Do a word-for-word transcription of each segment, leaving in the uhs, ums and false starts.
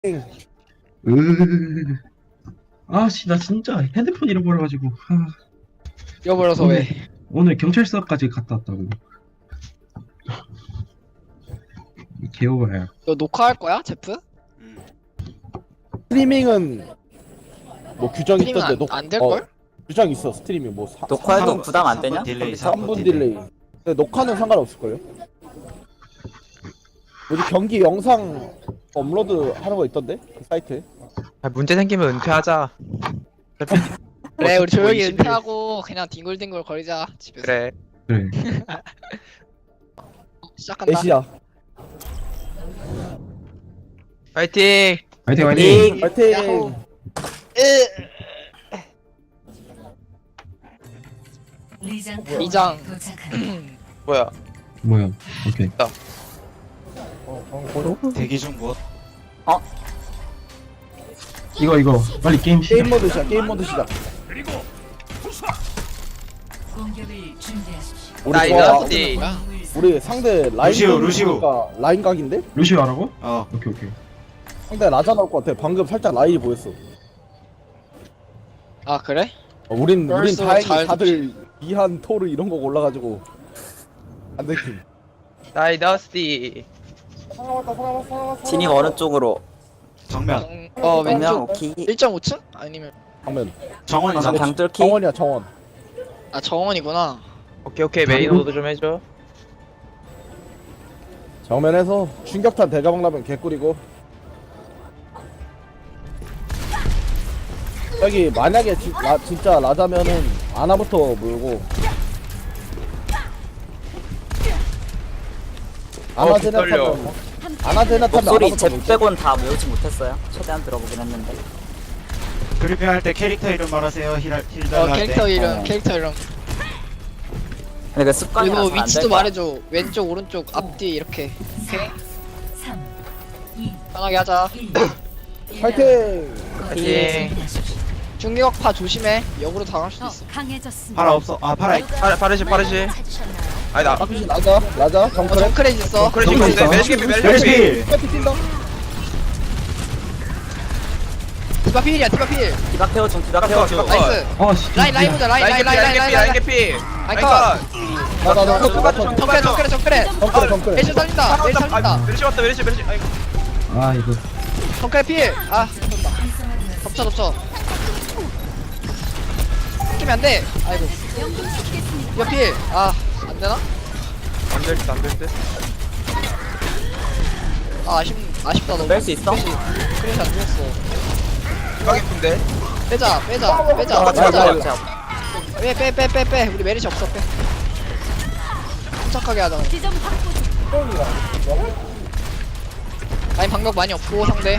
으. 아씨 나 진짜 핸드폰 잃어버려가지고 아, 잃어버려서 오늘, 왜? 오늘 경찰서까지 갔다 왔다고. 개오바야. 너 녹화할 거야, 제프? 스트리밍은 뭐 규정 스트리밍 있던데 안, 녹 안 될걸? 어, 규정 있어. 스트리밍 뭐 사, 녹화해도 부담 안 되냐? 딜레이 삼 분 딜레이. 근데 녹화는 상관없을 걸요. 뭐지 경기 영상 업로드 하는 거 있던데 그 사이트에. 아, 문제 생기면 은퇴하자. 그래, 우리 조용히 이십 일. 은퇴하고 그냥 뒹굴뒹굴 거리자 집에서. 그래. 그래. 시작한다. 애시야. 파이팅. 화이팅 화이팅. 파이팅. 야호. 으. 리장. 뭐야? 뭐야? 오케이. 대기 중 뭐? 이거 이거 빨리 게임 시작. 게임 모드 시작. 게임 모드 시작. 우리 나 좋아. 이거 디 우리 상대 라인 루시오, 루시오. 각이니까 라인 각인데? 루시오 하라고? 어. 오케이 오케이. 상대 라자 나올 것 같아. 방금 살짝 라인이 보였어. 아 그래? 어, 우린 우린 벌써 다행히 잘 다들 이한 토르 이런 거 올라가지고 안 들킴. 다이더스티. 진입 어느 쪽으로? 정면. 정, 어 그냥 왼쪽 오케이. 일 점 오 층? 아니면 방면. 정원이잖아. 그냥 뚫기? 정원이야 정원. 아 정원이구나. 오케이 오케이 메인 오더 좀 해줘. 정면에서 충격탄 대가방 라면 개꿀이고. 여기 만약에 지, 라, 진짜 라자면은 아나부터 몰고 아나 어, 제나 떨려. 타면 아나 제나 타면 목소리 아나부터 제 몰고. 빼곤 다 모으지 못했어요. 최대한 들어보긴 했는데. 그리핑 할 때 캐릭터 이름 말하세요. 힐, 힐 어 할 캐릭터 때. 이름, 어. 캐릭터 이름. 근데 그 습관이라서 그리고 안 위치도 될 거야. 말해줘. 왼쪽, 오른쪽, 앞뒤 이렇게. 오케이. 편하게 하자. 파이팅! 파이팅. 중격파 조심해. 역으로 당할 수도 더 있어. 강해졌습니다. 파라 없어. 아 파라. 파르 파르시 파르시. 아니 나. 박규신 라자 라자 어, 정크랩 정크레지 있어. 그래 정글 지금 있어. 메시피 메시피. 메르시. 파이팅 뛴다. 디바 필이야, 디바 필. 디바 케어 중, 디바 케어 중. 디바 나이스. 아씨. 라인, 라인 보자. 라인, 라인, 라인, 라인, 라인, 라인 라인. 개피. 아이 라인 컷. 컷. 나나나 똑같은 정크레, 정크레, 정크레. 정크랩 정크랩 메시 살린다. 메시 살린다. 메르시 왔다 메르시 메르시. 아이고. 아 이거 정크레 필. 아, 졌다. 덮쳐, 덮쳐. 끼면 안 돼. 아이고. 이거 필. 아, 안 되나? 안될 듯 안될 듯. 아, 아쉽, 아쉽다 너무. 뺄 수 있어? 그래서 안 죽었어. 가겠는데. 빼자, 빼자, 빼자, 아, 빼자. 자, 자, 자. 빼, 빼, 빼, 빼, 빼. 우리 메리시 없어, 빼. 침착하게 하자. 지점 확보 중. 라인 방벽 많이 없고 상대.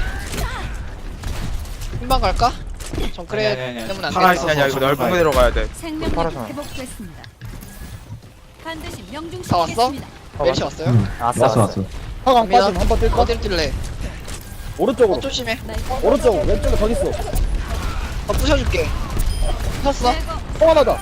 흰방 갈까? 정크레 아니, 아니, 아니. 때문에 안 파라 되겠다. 있어. 아니 아니 이거 넓은 데로 가야 돼. 생명력 팔아서. 회복됐습니다. 반드시 다 왔어? 명중시키겠습니다. 메리시 왔어요? 응. 왔어, 왔어 왔어. 왔어. 하강 빠짐 한번 뛸까? 어디로 뛸래? 오른쪽으로 어, 조심해. 오른쪽 왼쪽에 더 있어. 어, 부셔줄게. 부셨어? 통화나다.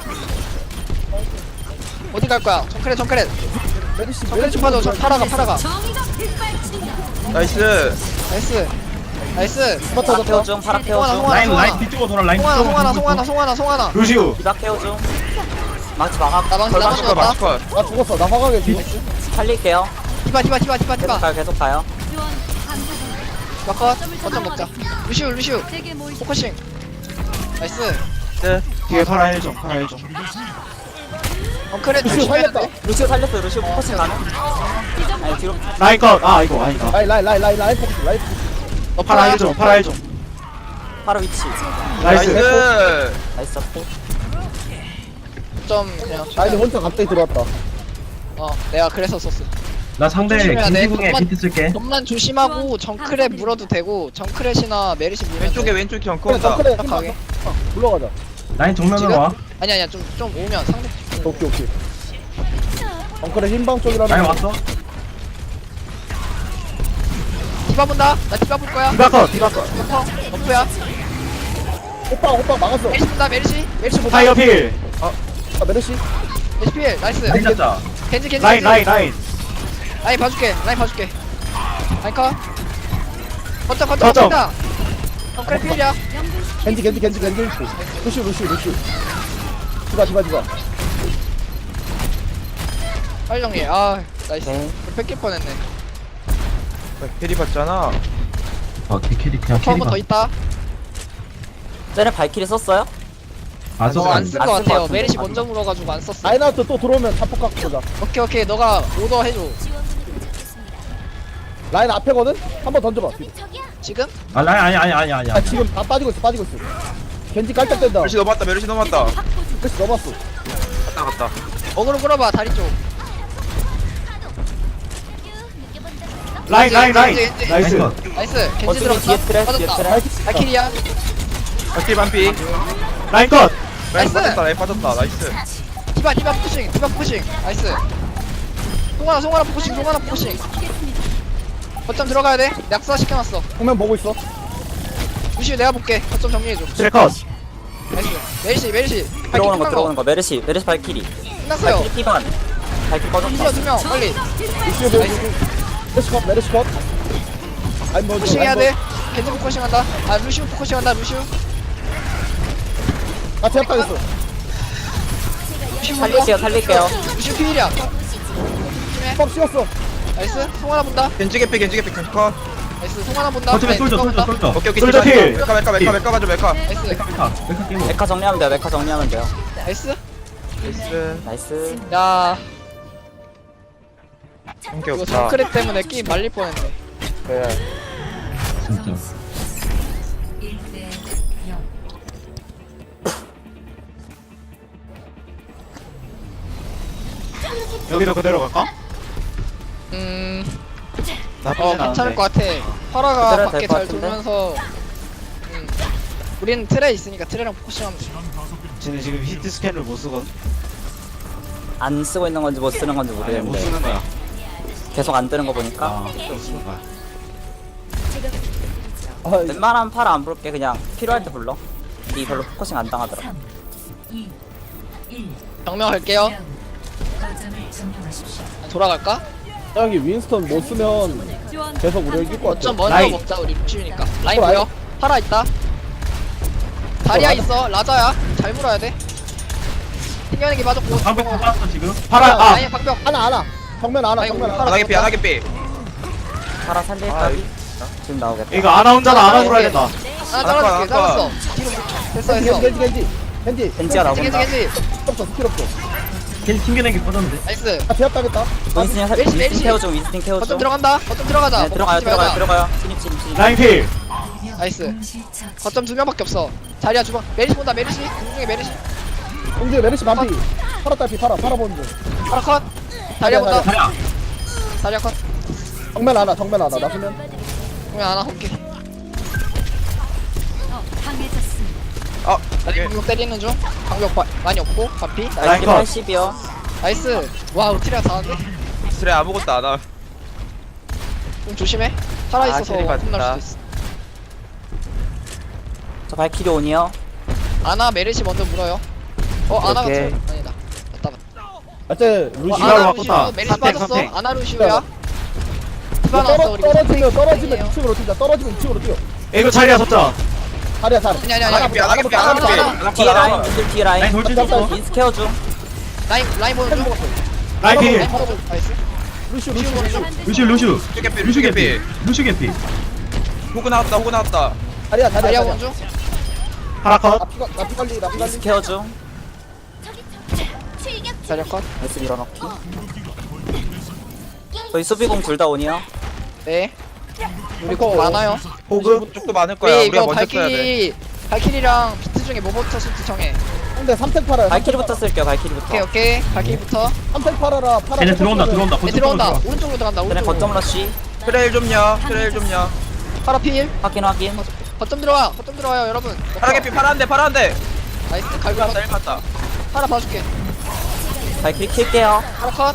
어디 갈 거야? 정크레, 정크레. 메리시 정크레 좀 빠져. 저 파라가, 파라가. 정의가 빗발친다. 나이스. 나이스. 나이스. 스파터 디바 케어 잡다. 중, 파라 케어 송하나, 중. 송하나, 라인 송하나. 라인 뒤쪽으로 돌아 라인 송하나, 뒤쪽으로 송하나, 돌고 송하나, 있어. 송하나, 송하나. 루시오. 디바 케어 중. 망치 막아. 나 망치, 나 망치 마스컷 왔다. 마스컷. 나 죽었어. 나 화강에 뒤. 살릴게요. 디바, 디바, 디바, 디바, 계속 디바. 가요, 계속 가요. 지원 감사드립니다. 마컷. 거점 먹자. 루시우, 루시우. 제게 모이 포커싱. 나이스. 뒤에 파라 일 좀. 파라 일 좀. 정크레 루시오 조심해야 살렸다. 돼. 루시오 살렸어요. 루시오 포커싱 가능? 아니, 뒤로. 라인 컷. 아 이거 아니다. 라인 라인 라인 라인 라인 포커싱, 라인 포커싱. 너 파라 일 좀. 파라 일 좀. 파라 위치. 나이스. 나이스. 나이스 잡고. 좀 그냥. 라인이 혼자 갑자기 들어왔다. 어, 내가 그래서 썼어. 나 상대 조심해야 돼. 김지궁에 좀만- 비트 쓸게. 좀만 조심하고 정크레 물어도 되고 정크레시나 메리시 물면 왼쪽에 돼. 왼쪽 그래 경커다. 정크랩 착하게. 불러가자. 라인 정면으로 지금? 와. 아니 아니야 좀 좀 오면 상대. 오케이 오케이. 정크랩 흰방 쪽이라는. 라인 왔어. 디바 본다. 나 디바 볼 거야. 디바 컷. 디바 컷. 버퍼. 버프야. 오빠 오빠 막았어. 메리시 본다. 메리시. 메리시 본다. 타이어 필. 아, 메르시. 메리시 필. 나이스. 라인 잡자. 겐지 겐지. 라인 겐지. 라인 라인. 라인 봐줄게. 라인 봐줄게. 라인 컷. 거점 거점 거점. 거점 덩크레 필이야. 겐지 겐지 겐지 겐지 루시 루시 루시 디바 디바 디바 빨리 정리해. 아 나이스. 네. 뺏길 뻔했네. 캐리 봤잖아. 아 캐리 그냥 한 번 더 캐리가 있다. 쟤네 발키리 썼어요? 안 썼어. 어안 쓴 안 거 쓴 거 같아요. 같은데. 메리시 먼저 물어가지고 안 썼어. 라인아웃 또 들어오면 자폭 갖고 보자 오케이 오케이 너가 오더 해줘. 라인 앞에거든? 한번 던져봐 지금? 아 아니 아니 아니 아니 아 아니. 지금 다 빠지고 있어 빠지고 있어 겐지 깔짝댄다 메르시 넘었다. 메르시 넘었다. 그래서 넘었어 갔다 갔다. 어그로 끌어봐 다리 쪽. 라인 라인 라인. 겐지, 겐지. 나이스. 나이스. 나이스. 겐지 어차피 들어갔어. 뒤에 트랩, 뒤에 빠졌다. 트랩. 발키리야. 발키리 반피. 라인 컷. 라인 나이스. 빠졌다. 라인 빠졌다. 나이스. 디바 디바 포커싱 디바 포커싱. 나이스. 송하나 송하나 포커싱 송하나 포커싱. 거점 들어가야 돼. 낙사 시켜놨어. 정면 보고 있어 루시 내가 볼게. 거점 정리해줘. 트랙 컷. 나이스. 메리시 메리시. 들어오는 거 들어오는 거 메르시 메르시 발키리 끝났어요. 발키리 피반 발키리 꺼졌다 루시야 두명 빨리. 루시 보고 메르시 컷 메르시 컷 아니 뭐 포커싱 해야 돼. 겐지 포커싱 한다. 아 루시우 포커싱 한다 루시우. 아 제압당했어 루시우 살릴게요 살릴게요 루시우 필이야. 뻥 씌웠어 나이스. 송하나 본다. 겐지 개피 겐지 개피 겐지 컷. 나이스. 송하나 본다. 거점에 네, 솔져 누가 솔져 본다. 솔져. 오케이 오케이. 솔저 필. 메카 메카 메카 메카 가져 메카. 나이스. 메카 메카 메카 게임. 메카 정리하면 돼요 메카 정리하면 돼요 나이스. 나이스. 나이스 야 한게 이거 없다. 정크랩 때문에 게임 말릴 뻔했네. 그래. 진짜. 여기도 그대로 갈까? 음, 나쁘진 어 않은데. 괜찮을 것 같아. 파라가 그대로 밖에 될것 잘 같은데? 돌면서, 음, 우리는 트레 있으니까 트레랑 포커싱하면 돼. 쟤네 지금 히트 스캔을 못 쓰거든. 안 쓰고 있는 건지 못 쓰는 건지 아니 못 모르겠는데 쓰는 거야. 계속 안 뜨는 거 보니까 아, 못 쓰는 거야. 아 웬만하면 팔아 안 부를게 그냥 필요할 때 불러 이 별로 포커싱 안 당하더라 정면 갈게요. 돌아갈까? 여기 윈스턴 못 쓰면 계속 우리를 이길 것 같아 어쩜 먼저 라인. 먹자 우리 루시우니까. 라인 어, 보여? 파라 있다. 다리야 라자. 있어. 라자야. 잘 물어야 돼. 튕겨내기 맞았고. 방금 뽑았어 지금. 파라 아. 라인 방벽. 하나 하나 정면 하나 아이고, 정면 하나. 하나 하나 개피 하나 개피. 팔아 살릴까? 아, 지금 나오겠다 이거 아나 혼자는 아나 돌아야 된다. 하나 잘라줄게. 아까, 아까. 잘랐어. 뒤로 됐어 겐지 됐어. 겐지 겐지 겐지 겐지가 겐지 겐지 나온다 겐지. 스킬 없어 스킬 없어 괜히 튕겨내기 뻗었는데. 나이스. 아 제압당했다 윈스팅 살- 메리시, 윈스팅 메리시. 케어 중 윈스팅 케어 거점 중 들어간다. 거점 들어가자. 네 들어가요 멈추지 들어가요 말자. 들어가요 진입 진입 진입 라인 필. 나이스. 거점 두 명밖에 없어. 자리야 주방. 메리시 본다. 메리시. 공중에 메리시. 공주에 메르시 반피 파라 딸피 파라 파라 보는 중 파라 컷. 자리야 본다. 자야. 자리야 컷. 정면 하나 정면 하나 나서면 그러면 하나 볼게. 아 다리 오케이. 방벽 때리는 중. 방벽 바, 많이 없고. 반피. 나이스 라인 컷. 팔십이요 나이스. 와 우트리아 잘하는데? 그래 아무것도 안 하. 좀 조심해. 살아 아, 있어서 캐리 맞다. 혼날 수도 있어. 저 발키리 온이요 아나 메르시 먼저 물어요. 어 아나가 오케이. 트 아니다. 맞다 맞다. 어째 어, 루시 이걸 아나 바꾼다. 루시우 메르시 선택, 빠졌어. 선택. 아나 루시우야. 디바 나왔어 떨어, 우리. 떨어지면 떨어지면 선택이에요. 이 층으로 뛰자 떨어지면 이 층으로 뛰어 이거 자리야 섰자. 다리야 다리 아니 아니 아니. 하나 개피 하나 개피 하나 개피. 하나 뒤에 컷, 하나 라인 컷. 분들 뒤에 라인 라인 돌진 깜짝 줬어. 윈스 케어 중 라인 라인 보는 중. 라인 필. 라인 보는 중. 나이스. 루시 루시우 루시 보는 중. 루슈 루슈. 루슈 개피, 루슈 루슈 개피. 개피. 루슈 개피. 호그 나왔다 호그 나왔다. 다리야 다리야 자리야 다리야 보는 중. 파라 컷. 나피 나피 관리 나피 윈스 관리 케어 중 자리야 컷. 나이스 밀어넣기 저희 수비공 둘 다 온이요 네. 우리 거 많아요. 호그. 쪽도 많을 거야. 우리 우리가 이거 먼저 써야 돼. 발키리 발키리랑 비트 중에 뭐부터 쓸지 정해. 근데 삼탱 팔아요 발키리부터 쓸게요 오케이 발키리부터 오케이. 발키리부터. 삼탱 팔아라 팔아 쟤네 들어온다 들어온다. 네, 거점 들어온다. 들어온다. 오른쪽으로 들어간다. 그래 오른쪽으로. 거점 러쉬 트레일 좀요. 트레일 좀요. 파라 필. 확인 확인 거점 들어와. 거점 들어와요 여러분. 파라 개피 파라 한대 파라 한대. 나이스. 일 갈고 맞다 일 맞다. 파라 봐줄게. 발키리 킬게요 파라 컷.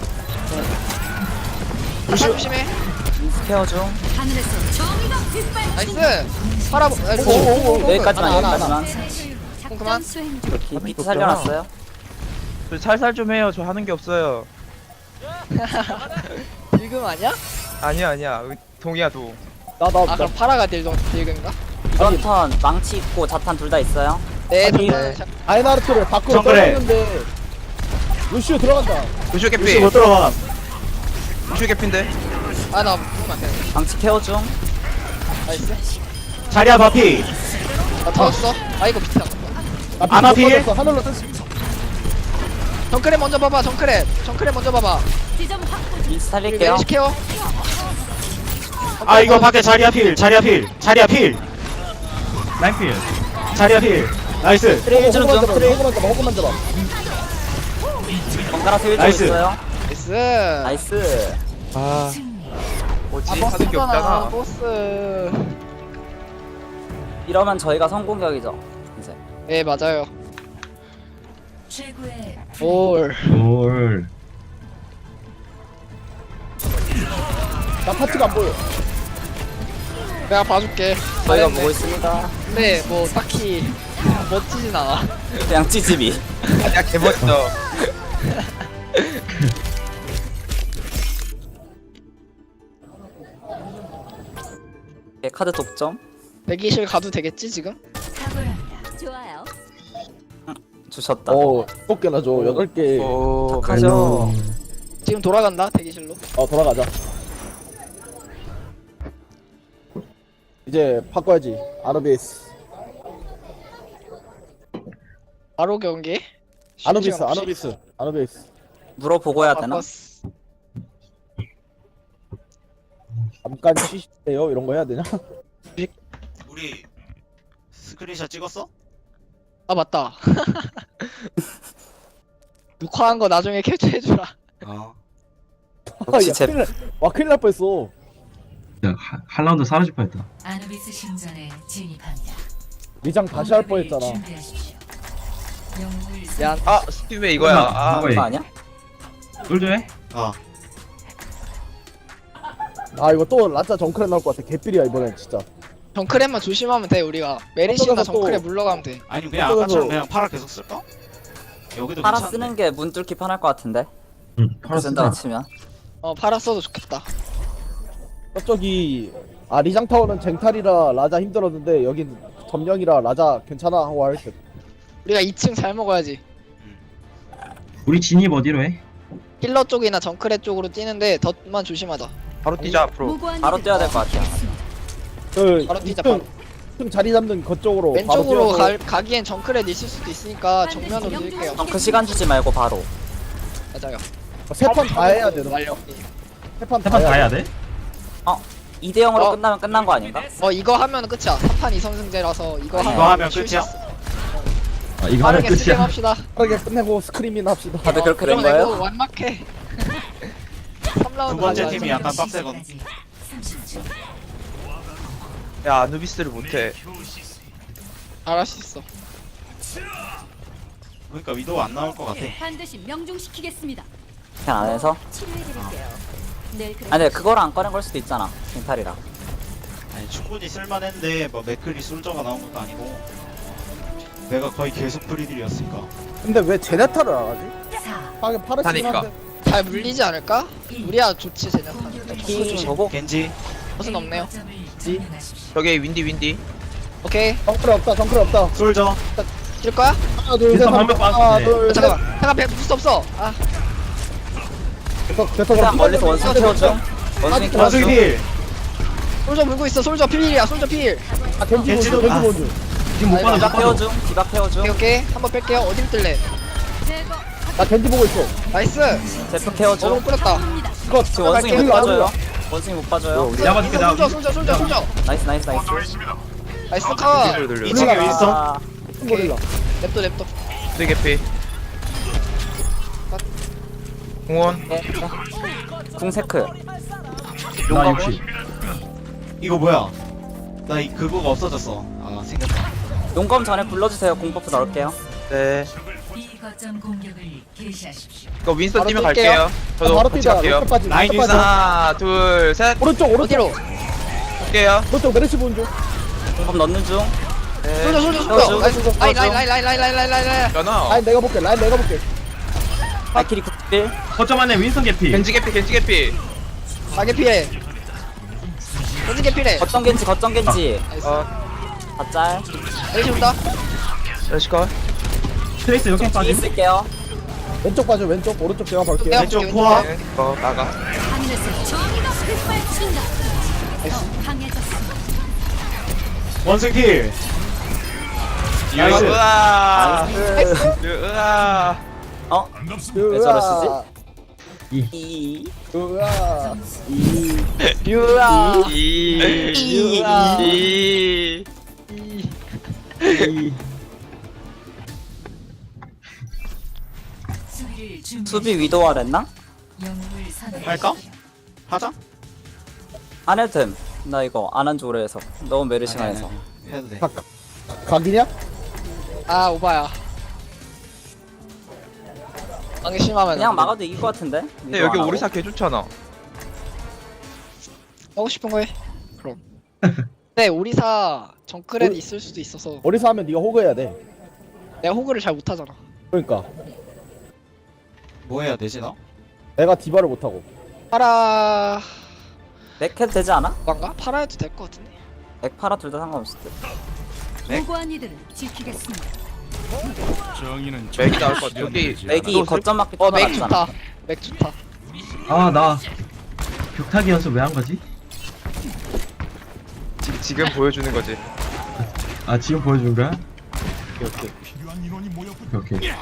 파라 조심해. 윈스 케어 중 하늘에서 정의가 빗발친다. 나이스. 파라 보- 아이고. 오오오 여기까지만 하나, 하나, 하나. 여기까지만 그럼 그만. 수행 이렇게 비트 살려놨어요 저 살살 좀 해요. 저 하는 게 없어요. 지금 아니야? 아니야 아니야. 동이야 동. 나나 아 나, 그럼 파라가 딜동 딜근가? 이번 턴 망치 있고 자탄 둘 다 있어요. 네 아니, 네. 아이나르트를 밖으로 정글에. 떨어졌는데 루시오 들어간다. 루시오 루시 개피 못 들어가. 루시오 개피인데 아나 죽으면 안 돼. 망치 케어 중. 나이스. 자리야 바피. 나 터졌어. 아 이거 밑에. 나 아나 못 필? 터졌어. 하늘로 떴어. 정크랩 먼저 봐봐. 정크랩. 정크랩 먼저 봐봐. 지점 확보. 윈스 그리고 살릴게요. 메리시 케어. 아 이거 밖에 자리야 필. 자리야 필. 자리야 필. 라인필. 자리야 필. 나이스. 트레일 중 호그만 중. 잡아. 트레일. 호그만 잡아. 호그만 잡아. 번갈아 트레일 중 나이스. 있어요. 나이스. 나이스. 아 뭐지 아 하는 게 보스잖아. 없잖아 보스. 이러면 저희가 성공격이죠. 이제. 네 맞아요. 최고의 올. 올. 나 파츠가 안 보여. 내가 봐줄게. 저희가 잘했네. 보고 있습니다. 근데 뭐 딱히 멋지진 않아. 그냥 찌집이. 야 개멋져 네, 카드 독점 대기실 가도 되겠지 지금? 탁월합니다. 좋아요. 주셨다. 어, 일곱 개나 줘. 여덟 개. 오 착하죠. 지금 돌아간다 대기실로. 어, 돌아가자. 이제 바꿔야지. 아노비스. 바로 경기. 아노비스, 쉬지 않고 아노비스, 아노비스. 물어보고 해야 되나? 바꿨어. 잠깐 쉬세요. 이런 거 해야 되냐? 우리 스크린샷 찍었어? 아 맞다. 녹화한 거 나중에 캡처해주라. 어. 혹시 야, 제 큰일 날, 와, 큰일 날 뻔했어. 야, 하- 한 라운드 사라질 뻔했다. 아누비스 신전에 진입합니다. 리장 다시 할 뻔했잖아. 준비하십시오. 영웅을 야, 아 스팀에 이거야 아 누가 그거 해? 아니야? 솔저해? 어. 아, 이거 또 라짜 정크레 나올 것 같아. 개삘이야, 이번엔 진짜. 정크랩만 조심하면 돼 우리가. 메리시나 어쩌다가 또- 정크랩 물러가면 돼. 아니 그냥 어쩌면서- 아까처럼 그냥 파라 계속 쓸까? 여기도 팔아 괜찮은데. 쓰는 게 문 뚫기 편할 것 같은데. 응, 팔아 쓴다고 쓰자. 치면. 어 팔아 써도 좋겠다. 저기, 아, 리장 타워는 쟁탈이라 라자 힘들었는데, 여긴 점령이라 라자 괜찮아 하고 할 듯. 우리가 이 층 잘 먹어야지. 우리 진입 어디로 해? 힐러 쪽이나 정크랩 쪽으로 뛰는데 덧만 조심하자. 바로 뛰자 앞으로 무고한 바로 뛰어야 될 것 같아요. 그, 바로 뛰자, 이 층, 바로. 이 층 자리 잡는 그쪽으로. 왼쪽으로 바로 가, 뛰어서 가기엔 정크랩 있을 수도 있으니까 정면으로 뛸게요. 덩크 시간 주지 말고 바로. 맞아요. 세 판 다 해야 돼. 완료. 세판 세판 다 해야 돼? 이 대 영으로 어. 끝나면 끝난 거 아닌가? 어 이거 하면 끝이야. 삼 판 이 선승제라서 이거, 이거 하면, 하면 쉴수 끝이야? 있어. 아, 이거 하면 빠르게 스팀 끝이야. 합시다. 빠르게 끝내고 스크림이나 합시다. 다들 그렇게 된 그럼 이거 거예요? 완막해. 삼 라운드 두 번째 가자. 팀이 약간 빡세거든. 삼십 초. 야 아누비스를 못해 잘할 수 있어. 그러니까 위도우 안 나올 것 같아. 반드시 명중시키겠습니다. 그냥 안에서? 치료해드릴게요. 내일 아니 근데 그거랑 안 꺼낸 걸 수도 있잖아. 멘탈이랑. 아니 충분히 쓸만했는데 뭐 맥클리 솔저가 나온 것도 아니고 내가 거의 계속 프리딜이었으니까. 근데 왜 제네타를 안 하지? 사, 하긴 파르시긴 하니까. 한데. 잘 물리지 않을까? 우리야 좋지 제냐타. 킹 보고 겐지. 무슨 없네요. 점을 점령하십시오. 저기 윈디 윈디 오케이. 정크레 없다. 정크레 없다. 솔저. 뛸 거야? 하나 둘 셋. 일단 하나 방금 하나 빠졌네. 둘 어, 셋. 잠깐만. 잠깐 배 부스 없어. 아 됐어 됐어. 그냥 그럼 멀리서 원숭이 태워줘. 원숭이 태워줘. 원숭이 필. 솔저 물고 있어. 솔저 필이야. 솔저 필. 아 겐지 겐지도- 먼저. 아. 겐지 먼저. 지금 못 아니, 받아, 디바 못 받아. 태워줘. 디바 태워줘. 오케이 오케이. 한번 뺄게요. 어딜 뜰래? 제거 나 겐지 보고 있어. 나이스. 제프 태워줘. 너무 뿌렸다. 합니다. 이거 지금 원숭이 못 힐러 안 봐줘요. 올라. 원숭이 못 봐줘요. 내가 봐줄게, 내가. 솔저 솔저 솔저 솔저. 나이스 나이스 나이스. 나이스 카. 돌려 돌려 이 층에 윈스턴. 아, 고릴라. 냅둬 냅둬. 되게 개피 공원 네. 궁세크. 나 육십. 이거 뭐야? 나 이 그거가 없어졌어. 아 생겼다. 용검 전에 불러주세요. 공버프 넣을게요. 네 이 거점 공격을 개시하십시오. 이거 윈스턴 바로 뛰면 뛸게요. 갈게요 저도 바로 같이 뛰자. 갈게요 왼쪽 빠지. 라인 왼쪽 빠지. 하나 둘셋 오른쪽 오른쪽. 어디로? 갈게요 오른쪽 메르시 보는 중. 공법 넣는 중. 솔저 솔저 태워줘. 솔저. 나이스. 라인 태워줘. 라인 라인 라인 라인 라인 라인 라인. 연어 라인 내가 볼게. 라인 내가 볼게. 발키리 구십일. 거점 안에 윈선 개피. 겐지 개피 겐지 개피 가게 피해. 겐지 개필해. 거점 겐지 거점 겐지 나이스. 어 가짤 에이시 온다. 러시컷 트레이스 여기 뒤에 빠짐. 있을게요. 왼쪽 봐줘 왼쪽 오른쪽 제가 볼게요. 내가 왼쪽 볼게, 포화. 왼쪽. 어 나가 하늘에서 정의가 휘발친다. 더 강해졌습니다. 원승필. 나이스. 으아 나이스. 으아 어? 왜 저러시지? 이 으아. 유아. 이 유아. 이 수비를 준비. 수비 위도와 했나? 영웅을 선택. 할까? 하자. 안 해도 됨. 나 이거 안 한 지 오래 해서 너무 메르시가 해서 해도 돼. 각 각이냐? 아 오바야. 방해 심하면 그냥 안 돼. 막아도 이길 것 같은데? 근데 위도 여기 안 하고. 오리사 개 좋잖아 하고 싶은 거 해. 그럼. 근데 오리사 정크렛 우리- 있을 수도 있어서 어디서 하면 네가 호그해야 돼. 내가 호그를 잘 못하잖아. 그러니까 뭐 해야 되지 나? 내가 디바를 못하고. 파라 맥 해도 되지 않아? 뭔가 파라 해도 될 것 같은데. 맥 팔아 둘 다 상관없을 듯. 무고한 이들을 지키겠습니다. 맥이 나올 것 같아 여기 맥이 거점 맞기 어 더 맥 낫잖아. 좋다. 맥 좋다. 아 나 벽타기 연습 왜 한 거지? 지, 지금 보여주는 거지 아 지금 보여준 거야? 오케이 오케이 오케이 오케이.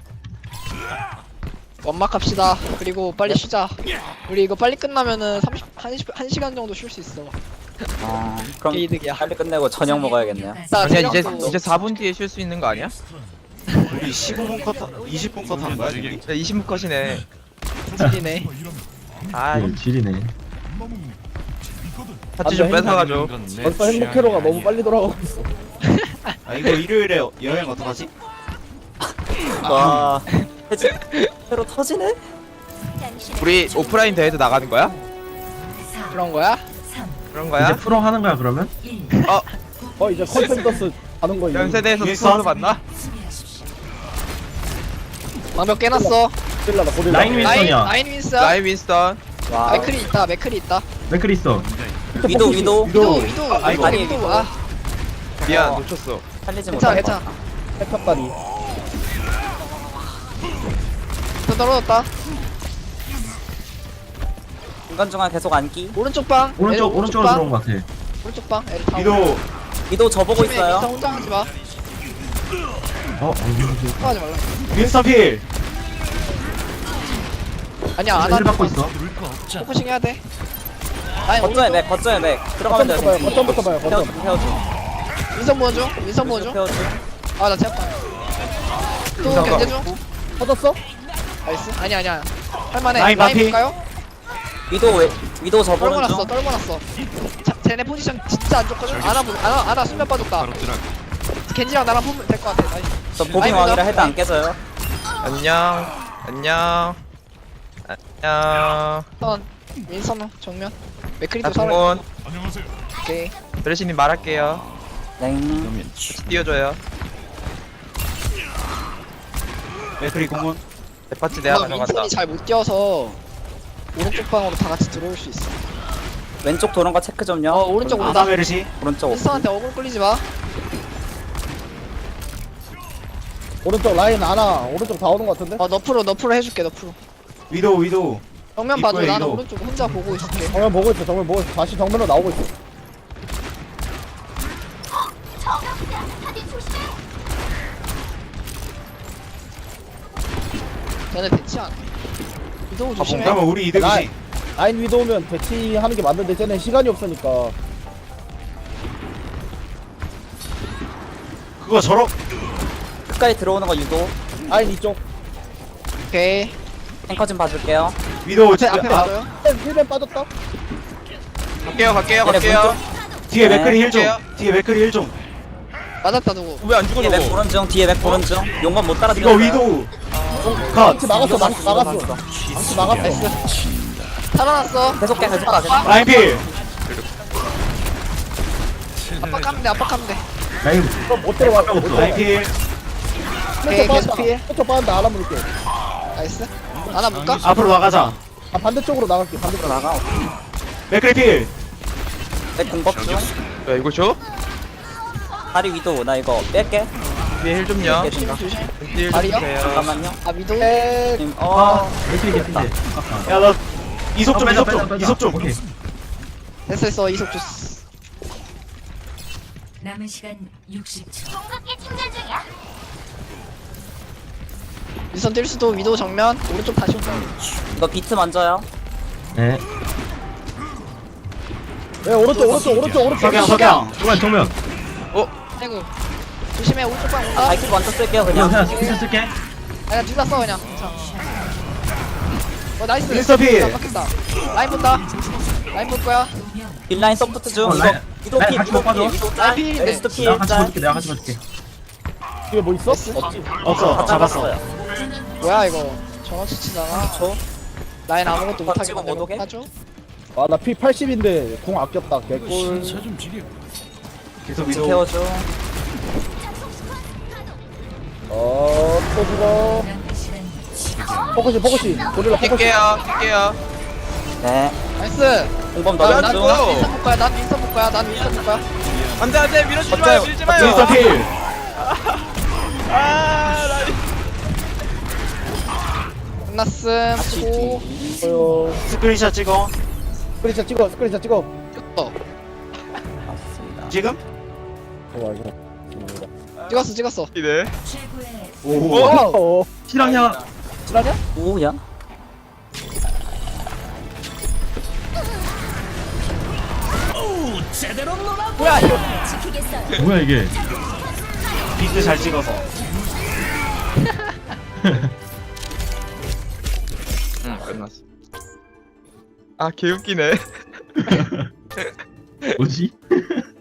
원막 합시다. 그리고 빨리 쉬자. 우리 이거 빨리 끝나면은 삼십 한, 시, 한 시간 정도 쉴 수 있어. 어, 그럼 게이득이야. 빨리 끝내고 저녁 먹어야겠네요. 나 아니야 이제 체력도- 이제 사 분 뒤에 쉴 수 있는 거 아니야? 우리 십오 분 컷, 하- 이십 분 컷 하는 거야 지금? 이십 분 컷이네 질이네. 아 네, 지리네. 파츠 좀 뺏어가줘 벌써 행복회로가 너무 빨리 돌아가고 있어. 아 이거 일요일에 여행 어떡하지? 와, 해지, 새로 터지네? 우리 오프라인 대회도 나가는 거야? 사, 그런 거야? 삼, 그런 이제 거야? 프로 하는 거야 그러면? 일. 어 이제 컨텐더스 가는 거 이제. 연세대에서 윈스턴? 스포츠 봤나? 수비하십시오. 방벽 깨놨어. 고릴라다 고릴라. 라인 윈- 라인 윈스턴이야. 라인 윈스. 라인 윈스턴 와, 맥클이 있다. 맥클이 있다. 맥클 있어. 위도, 위도. 위도 위도 아, 위도 아니, 위도. 아 미안 어. 놓쳤어 살리지 괜찮아 못할 것 괜찮아. 같다. 핵탑다리. 또 떨어졌다. 중간중간 계속 안기. 오른쪽 방. 애들 오른쪽 오른쪽으로 방. 들어온 것 같아. 오른쪽 방. 애들 다 위도 위도 저보고 팀에 민서 있어요. 혼자 하지 마. 어? 어 하지 말라. 윈스턴 필. 아니야 안 힐 하지 받고 마. 있어. 포커싱 해야 돼. 아니 거점에 오른쪽. 맥, 거점에 맥. 들어가면 돼요. 거점부터 봐요. 댕기. 거점부터 봐요. 태워줘, 거점. 태워줘. 민선 보여줘. 민선 보여줘. 태워줘. 아나 제압다. 또 민선 견제 중. 터졌어? 나이스. 아니 아니야. 할만해. 라인 라인 반피. 볼까요? 위도, 왜, 위도 저보는 떨궈놨어. 중. 떨궈놨어. 자, 쟤네 포지션 진짜 안 좋거든. 아나 보- 아나 아나 수면 빠졌다. 겐지랑 나랑 보면 될 것 같아. 나이스. 저 보빙 라인 왕이라 보자. 해도 안 깨져요. 안녕 안녕 안녕 선 민선 정면. 나 맥크리도 살아. 동원 오케이. 드레시님 말할게요 땡. 띄워줘요 맥크리 공원. 내 파츠 내가 나 가져간다 민선이 잘 못 뛰어서 오른쪽 방으로 다 같이 들어올 수 있어. 왼쪽 도는 거 체크 좀요. 어 오른쪽 온다. 아나메르시. 오른쪽. 민선한테 어글 끌리지 마. 오른쪽 라인 하나. 오른쪽 다 오는 것 같은데? 어 너프로 너프로 해줄게 너프로. 위도 위도. 정면 봐줘. 이거야, 나는 이거. 오른쪽 혼자 보고 있을게. 정면 보고 있어. 정면 보고 있어. 다시 정면으로 나오고 있어. 걔네 대치 안 해. 이동우 조심해. 그러면 우리 이득이지. 라인. 라인 위도 오면 대치하는 게 맞는데 쟤는 시간이 없으니까. 그거 저러. 끝까지 들어오는 거 유도. 라인 이쪽. 오케이. 탱커 좀 봐줄게요. 위도 앞에 앞에 아, 맞아요. 힐벤 빠졌다. 갈게요 갈게요 얘네 갈게요 뒤에 네. 맥크리 힐 좀. 할게요. 뒤에 맥크리 힐 좀. 맞았다 누구. 왜 안 죽어 뒤에 맥 저거 보는 중, 뒤에 맥 보는 중. 용건 못 따라 이거 위도. 컷. 망치 막았어. 망치 막았어. 망치 막았어. 나이스. 살아났어. 계속 깨, 계속 가, 계속 가. 라인 필. 압박하면 돼 압박하면 돼. 라인 그럼 못 들어와. 못 들어와. 라인 필. 오케이, 계속 피해. 왼쪽 빠진다. 알아 물게. 나이스. 하나 볼까? 앞으로 나가자. 아 반대쪽으로 나갈게. 반대쪽으로 나가. 맥크리 필. 내 공법 중. 야 이거 줘? 다리 위도 나 이거 뺄게. 뒤에 힐 좀요. 뺄게. 조심. 뒤에 힐좀 다리요? 주세요. 잠깐만요. 아 위도. 에 지금 아 어. 맥클이 개피인데. 아까. 야 나 이속 좀 아, 이속 빼자, 좀 빼자, 이속 좀 오케이. 됐어 됐어 이속 주스. 남은 시간 육십 초. 윈선 뛸 수도 위도 정면 오른쪽 다시 온다. 이거 비트 먼저요. 네. 네, 오른쪽 오른쪽 오른쪽 오른쪽 석양 석양 정면 정면. 아이고 조심해 오른쪽 방 아, 온다. 발길 먼저 쓸게요 그냥 그냥. 그냥 비트 쓸게. 아니야 둘 다 써 그냥. 자. 어 나이스. 윈스터 필. 아, 바뀌었다. 라인 본다. 라인 볼 거야. 딜라인 서포트 중. 어, 이거 라인- 위도 라인 피 같이 위도 못 빠져. 피 위도 짤. 라인 필. 웨스트 피 내가 같이 짤. 봐줄게. 내가 같이 봐줄게. 뒤에 뭐 있어? 없지. 없어 잡았어. 뭐야 이거 정원치 치잖아. 저 라인 아무것도 못하게 찍어 못 만들어 오게? 하죠? 아나 피 팔십인데 궁 아꼈다 개꿀. 계속 위도 케어 중. 어또 죽어. 남은 시간 포커싱 포커싱 고릴라 포커싱. 낄게요. 낄게요. 네. 나이스. 공범 난, 넣는 난 중. 윈선 볼 거야. 난 윈선 볼 거야. 난 윈선 볼 거야. 안돼 안돼 밀어주지 어때요? 마요. 밀지 마요. 윈스터 필. 끝났음. 수고. 어요. 스크린샷 찍어. 스크린샷 찍어 스크린샷 찍어. 어. 맞습니다. 지금? 어 이거. 찍었어 찍었어. 이네. 최고의 오. 어. 실화냐? 실화냐? 오야. 뭐야 이거. 뭐야 이게? 비트 잘 찍어서. 응 끝났어. 아 개웃기네. 뭐지?